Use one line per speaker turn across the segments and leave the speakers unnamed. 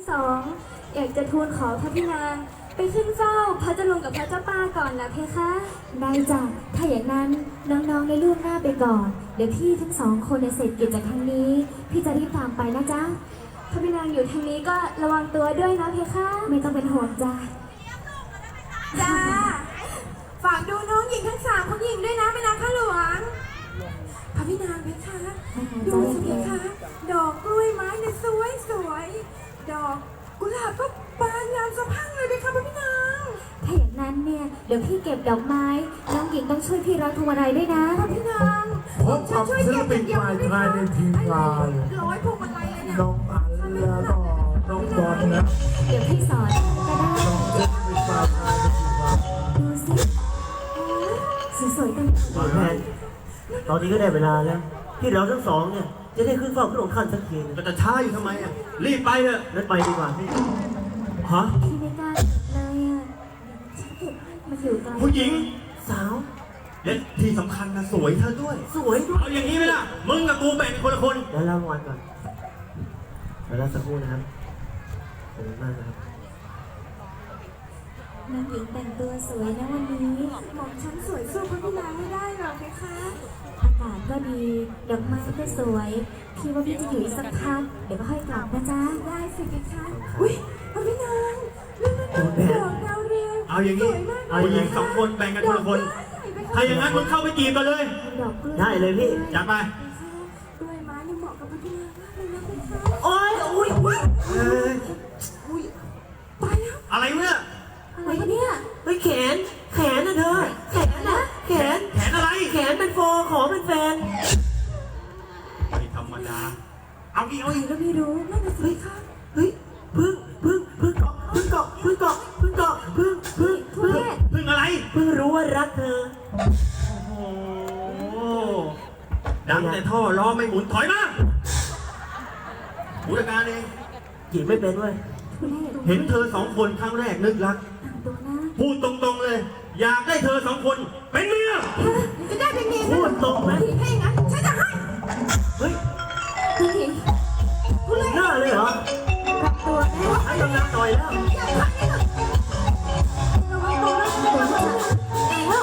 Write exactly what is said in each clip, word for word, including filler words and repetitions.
สองอยากจะทูลขอพระพี่นางไปขึ้นเฝ้าพระเจ้าลุงกับพระเจ้าป้าก่อนนะเพคะได้จ้ะถ้าอย่างนั้นน้องๆในล่วงหน้าไปก่อนเดี๋ยวพี่ทั้งสองคนในเสร็จกิจจากทางนี้พี่จะรีบตามไปนะจ๊ะพระพี่นางอยู่ทางนี้ก็ระวังตัวด้วยนะเพคะไม่ต้องเป็นห่วงจ้ะ
จ้าฝากดูน้องหญิงทั้งสามคนหญิงด้วยนะแม่นางข้าหลวงพระพี่นางเพคะดูสิเพคะดอกกล้วยไม้เนี่ยสวยสวยดอกกุหลาบก็บานงามสะพรั่งเลยเพคะพระพี่นาง
ถ้าอย่างนั้นเนี่ยเดี๋ยวพี่เก็บดอกไม้น้องหญิงต้องช่วยพี่ร้อยพวงมาลัยด้วยนะ
พระพี่นาง
พบกับศิลปินฝ่ายชายในทีมงาน
ร้อยพวงมาลัยเลยเนี่ย
น้องอันแล้วก็น้องบอลนะ
เดี๋ยวพี่สอนก็ได้
น้องศิลปินฝ่ายชายในทีมงาน
ดูสิสวยๆตั้ง
แพนตอนนี้ก็ได้เวลาแล้วที่เราทั้งสองเนี่ยจะได้ขึ้นเฝ้าพระองค์ท่านสักทีนึง
ก็จะช้าอยู่ทำไมอ่ะรีบไปเถอะ
งั้นไปดีกว่าพี่ฮะ
พี่ไม่กล้าเลยอ่ะฉันเก็บมาอยู่ไกล
ผู้หญิง
สาว
และที่สำคัญนะสวยเธอด้วย
สวยด้วย
เอาอย่างนี้ไหมล่ะมึงกับกูแบ่งคนละคน
เดี๋ยวเล่ารางวัลก่อนเดี๋ยวเราสักครู่นะครับขอบคุณมากนะครับ
น้องหญิงแต่งตัวสวยนะวันนี้
หม่อมฉันสวยสู้พระพี่นางไม่ได้หรอกเพคะ
อากาศก็ดีดอกไม้ก็สวยพี่ว่าพี่จะอยู่อีกสักพักเดี๋ยวก็ค่อยกลับนะจ๊ะ
ได้สิเพคะอุ้ยพระพี่นางนั่นนั่นนั่นดอกดาวเรือง
เอาอย่างนี้ผู้หญิงสองคนแบ่งกันคนละคนถ้าอย่างนั้นมึงเข้าไปจีบกันเลย
ดอกกล้วย
ได้เลยพี่
จัดไป
กล้วยไม้นี่เหมาะกับพระพี่นางมากเลยนะเพคะ
โอ้ยอุ้ยอุ้ย
เอ้ย
อุ้ยไปแล้ว
อะไรวะเนี่ย
อะไรเนี่ย
เฮ้ยแขนแขนนะเธอแขนนะแขน
แขนอะไร
แขนเป็นโฟขอเป็นแฟน
ไม่ธรรมดาเอาอีกเอาอีก
ก็ไม่รู้
นั่นน่ะสิคะ
เฮ้ยพึ่งพึ่งพึ่งเกาะพึ่งเกาะพึ่งเกาะพึ่งเกาะพึ่งพึ่งพึ่ง
พึ่งอะไร
เพิ่งรู้ว่ารักเธอ
โอ้โหดังแต่ท่อล้อไม่หมุนถอยมาผู้จัดการเอง
จีบไม่เป็นเว้ย
ทุเรศ
เห็นเธอสองคนครั้งแรกนึกรัก
ต่างตัวนะ
พูดตรงๆเลย อยากได้เธอสองคนเป็นเมีย
จะได้เป็นเมีย
พูดตรงไหม
ให้งั้นฉันจะให้
เฮ้ย
พี่
หน้าเลยเหรอ
รับตัวแม่
ให้กำลังหน่อยแล้ว
ระวังตัวนะตัวนะแล้ว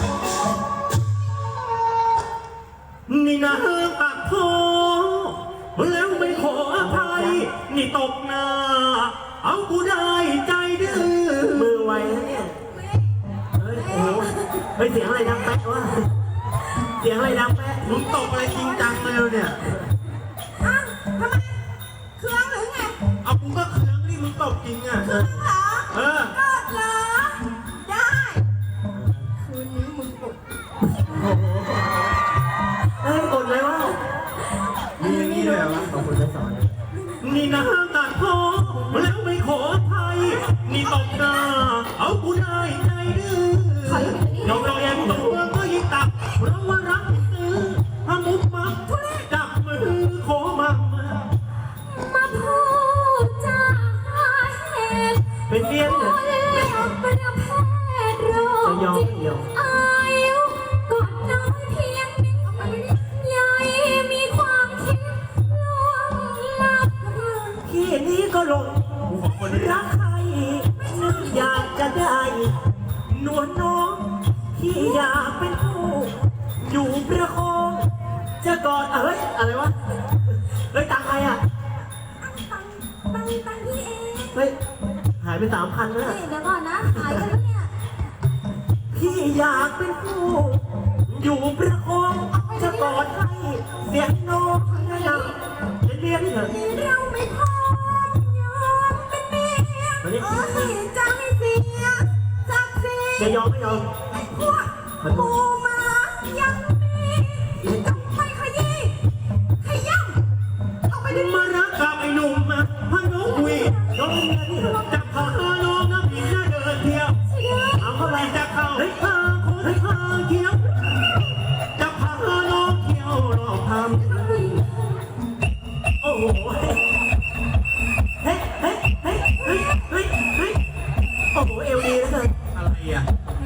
นี่นะปากโทแล้วไม่ขออภัย นี่ตกหน้า เอากูได้ใจดื้อ
มือไวนะเนี่ยเฮ้ยโอ้โหเฮ้ยเสียงอะไรดังแป๊ะวะเสียงอะไรดังแป๊ะ
มึงตกอะไรจริงจังเลยเนี่ย
อ้าวทำไมเครื่องหรือไง
เอากูก็เคืองนี่มึงตกจริงอ่ะ
เครื่องเหรอ
เออ
กดเหรอได้คืนนี้มึงกด
โอ้โหเฮ้ยกดเลยวะ
มีอย่างนี้ด้วยเหรอวะ
ขอบคุณที่สอนนะ
นี่นะตัดโทแล้วไม่ขออภัย นี่ตกหน้า เอากูได้ใจดื้อยอมเราเองตัวก็ยิ่งตักเพราะว่ารักตื้อถ้ามุกมักจับมือขอมา
มาพูดจาเหตุ
เป็นเลี้ยงเนี่ย
เป็นแพทย์โรค
จะยอม
จิต
เดียว
อายุกอดน้อยเพียงนิดใหญ่มีความคิดล่วงลับ
พี่นี้ก็หลง
กูขอบคนนี้
รักใครนึกอยากจะได้นวลน้องที่อยากเป็นผู้อยู่ประคองจะกอดเอ้ยอะไรวะเฮ้ยตังใครอ่ะ
ตังตังตังพี่เอง
เฮ้ยหายไปสามพันแล้ว
นี่เดี๋ยวก่อนนะหายกันแล้วเนี่ย
พี่อยากเป็นผู้อยู่ประคองจะกอดให้เสียงน้องนะจะเรียกเถอะ
เราไม่พร้อมยอมเป็นเมีย
มานี่
เอ้ยจะไม่เสียศักดิ์ศรี
จะยอมไม่ยอม
ไอ้พวกหมูหมายังมีต้องไปขยี้ขย้ำเอาไปดิ
มารักกับไอ้หนุ่มมาพาน้องคุยน้องจะพาน้องน้ำผิงเดินเที่ยว
เอาเข้าไป
จะเข้าเฮ้ยพาคนพาเที่ยวจะพาน้องเที่ยวรอบทำ
โอ้โหเฮ้ยเฮ้ยเฮ้ยเฮ้ยเฮ้ยเฮ้ยโอ้โหเอวดีแล้วเกิน
อะไรอ่ะ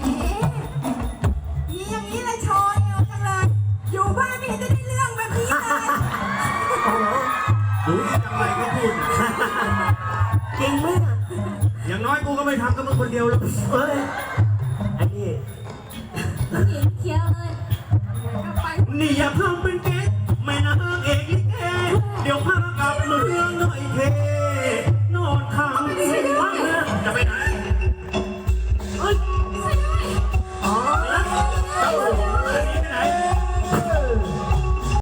มีอย่างนี้เลยโชยเอาจังเลย อยู่บ้านไม่เห็นจะได้เรื่องแบบนี้เลย
โอ้โห
รู้จังไรก็พูด
จริงไหม
อย่างน้อยกูก็ไม่ทำกับมึงคนเดียวแล้ว
เฮ้ยไอ้นี่
น้องหญิงเคลียร์เลย
กลับไป
นี่อย่าทำเป็นเก๊กแม่นางเอกลิเกเดี๋ยวพากลับมือ